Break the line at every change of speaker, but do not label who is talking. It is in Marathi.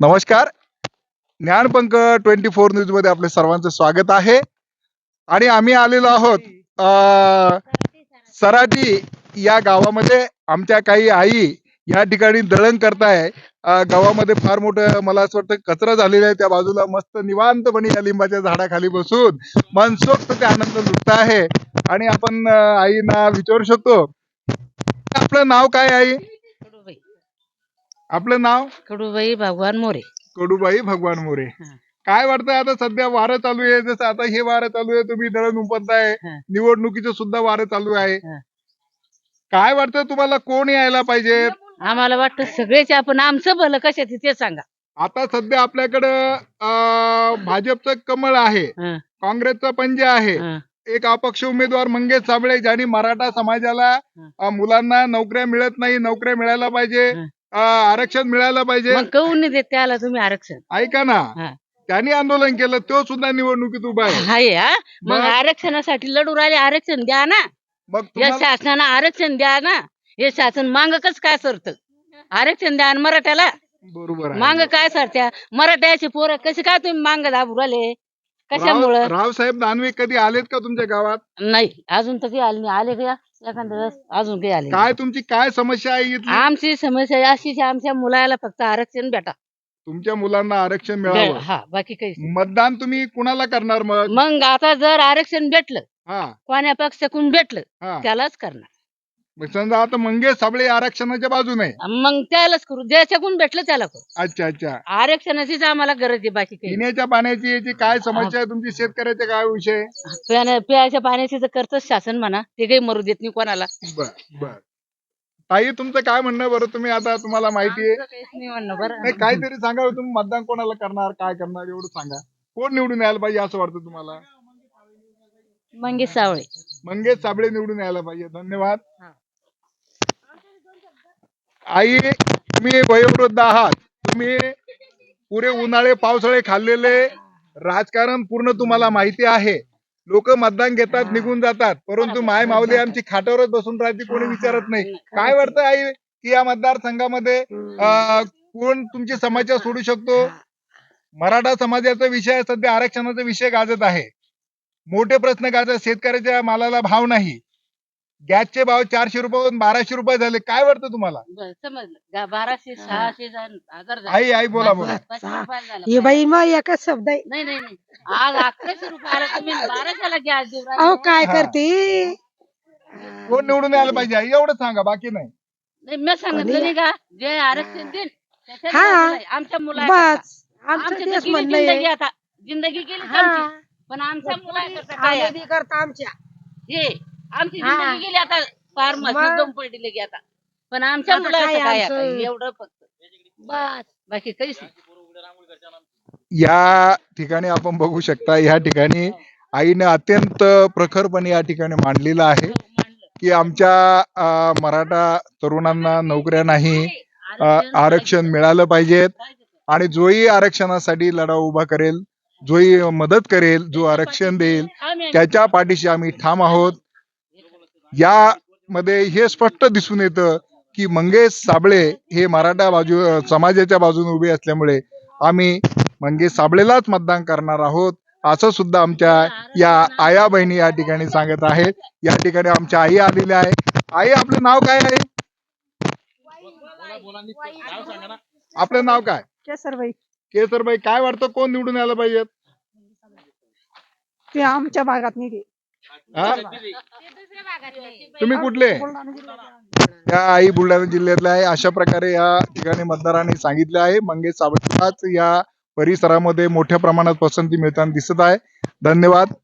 नमस्कार. ज्ञानपंख 24 न्यूज मध्ये आपले सर्वांचं स्वागत आहे. आणि आम्ही आलेलो आहोत सराटी या गावामध्ये. आमच्या काही आई या ठिकाणी दळण करताय. गावामध्ये फार मोठं मला असं वाटतं कचरा झालेला आहे. त्या बाजूला मस्त निवांतपणे या लिंबाच्या झाडाखाली बसून मनसोक्त ते आनंद लुटत आहे. आणि आपण आईना विचारू शकतो, आपलं नाव काय आई?
कडूबाई
आपलं नाव?
कडूबाई भगवान मोरे.
कडूबाई भगवान मोरे. काय वाटतंय आता सध्या वारं चालू आहे, जसं आता हे वारं चालू आहे, तुम्ही दळण उपटताय, निवडणुकीचं सुद्धा वारं चालू आहे. काय वाटतं तुम्हाला, कोण यायला पाहिजे?
आम्हाला वाटतं सगळेच आपण आमचं भलं कशाचं ते सांगा.
आता सध्या आपल्याकडं भाजपचं कमळ आहे, काँग्रेसचा पंजा आहे, एक अपक्ष उमेदवार मंगेश साबळे, ज्यांनी मराठा समाजाला मुलांना नोकऱ्या मिळत नाही, नोकऱ्या मिळायला पाहिजे, आरक्षण मिळायला पाहिजे.
मग कहून नाही देत त्याला तुम्ही आरक्षण?
ऐका ना, त्यांनी आंदोलन केलं, तो सुद्धा निवडणुकीत उभा आहे.
मग आरक्षणासाठी लढू राहिले, आरक्षण द्या ना.
मग
या शासनानं आरक्षण द्या ना. हे शासन मांग कस काय सरत? आरक्षण द्या मराठ्याला.
बरोबर आहे.
मांग काय सरत्या मराठ्याचे पोरं कसे काय तुम्ही मांग दाबू राहिले? कशामुळं?
रावसाहेब दानवे कधी आलेत का तुमच्या गावात?
नाही, अजून तर काही आले नाही. आले का एखाद्या वेळेस? अजून काही आले नाही.
काय तुमची काय समस्या आहे इथली?
आमची समस्या अशीच आहे, आमच्या मुलाला फक्त आरक्षण भेटा.
तुमच्या मुलांना आरक्षण मिळावं.
हा, बाकी काही नाही.
मतदान तुम्ही कुणाला करणार मग?
मग आता जर आरक्षण भेटलं,
हा
कोण्या पक्षाकडून भेटलं,
हा.
त्यालाच करणार.
मग समजा आता मंगेश साबळे आरक्षणाच्या बाजूने आहे.
मग त्यालाच करू, ज्याच्याकडून भेटलं त्याला करू.
अच्छा अच्छा.
आरक्षणाचीच आम्हाला गरज आहे, बाकी काही नाही.
पिण्याच्या पाण्याची याची काय समस्या आहे तुमची? शेतकऱ्याचे काय विषय?
प्यायच्या पाण्याची तर करतच शासन म्हणा, ते काही मरू देत नाही कोणाला.
बर बर. ताई, तुमचं काय म्हणणं बरं? तुम्ही आता तुम्हाला माहिती आहे,
काहीच नाही म्हणणं बरं.
नाही काहीतरी सांगा, तुम्ही मतदान कोणाला करणार, काय करणार, एवढं सांगा. कोण निवडून यायला पाहिजे असं वाटतं तुम्हाला?
मंगेश सावळे.
मंगेश साबळे निवडून यायला पाहिजे. धन्यवाद. आई, तुम्ही वयोवृद्ध आहात, तुम्ही पुरे उन्हाळे पावसाळे खाल्लेले, राजकारण पूर्ण तुम्हाला माहिती आहे. लोक मतदान घेतात, निघून जातात, परंतु माय माऊली आमची खाटावरच बसून राहते, कोणी विचारत नाही. काय वाटतं आई, की या मतदारसंघामध्ये कोण तुमची समस्या सोडू शकतो? मराठा समाजाचा विषय सध्या आरक्षणाचा विषय गाजत आहे, मोठे प्रश्न गाजत. शेतकऱ्याच्या मालाला भाव नाही, गॅसचे भाव 400 रुपयावरून 1200 रुपये झाले. काय वाटतं तुम्हाला?
समजलं, 1200 600 हजार झाले.
आई आई बोला बोला.
500 रुपयाला झालं.
हे बाई मग एकच शब्द आहे.
नाही नाही नाही, आज 1100 रुपयाला तुम्ही 1200ला गॅस देऊ
अहो
राहिले.
काय
हा.
करते?
कोण निवडून यायला पाहिजे आई, एवढं सांगा, बाकी नाही.
नाही, मी सांगितलं नाही का, जे आरक्षण देईल त्याच्यात
हा.
बाजूला आहे. आमच्या मुला
बस आमचं तेच
जिंदगी
म्हणणं आहे.
आता जिंदगी गेली
हा.
आमची, पण आमच्या मुलाकरता काय आहे?
आनंदी करता आमच्या.
हे आमची
हा.
जिंदगी गेली आता, फार मस्त
मग?
दम पडली लगी आता. पण आमच्या
आता
मुलाचं
काय
काय
आमचं?
आता, एवढं फक्त बस, बाकी काहीच नाही.
या ठिकाणी आपण बघू शकता, या ठिकाणी आईने अत्यंत प्रखरपणे या ठिकाणी मांडलेलं आहे की आमच्या मराठा तरुणांना नोकऱ्या नाही, आरक्षण मिळालं पाहिजेत. आणि जोही आरक्षणासाठी लढा उभा करेल, जोही मदत करेल, जो आरक्षण देईल, त्याच्या पाठीशी आम्ही ठाम आहोत. यामध्ये हे स्पष्ट दिसून येतं की मंगेश साबळे हे मराठा समाजाच्या बाजूने उभे असल्यामुळे आम्ही मंगेश साबळेलाच मतदान करणार आहोत, असं सुद्धा आमच्या या आया बहिणी या ठिकाणी सांगत आहेत. या ठिकाणी आमच्या आई आलेल्या आहे. आई, आपलं नाव काय आहे? आपलं नाव काय?
केसरबाई.
केसरबाई, काय वाटतं कोण निवडून यायला पाहिजे?
ते आमच्या भागात नाही.
हा? तुम्ही कुठले? या आई बुलढाणा जिल्ह्यातल्या आहे. अशा प्रकारे या ठिकाणी मतदारांनी सांगितले आहे. मंगेश साबळेलाच या परिसरामध्ये मोठ्या प्रमाणात पसंती मिळताना दिसत आहे. धन्यवाद.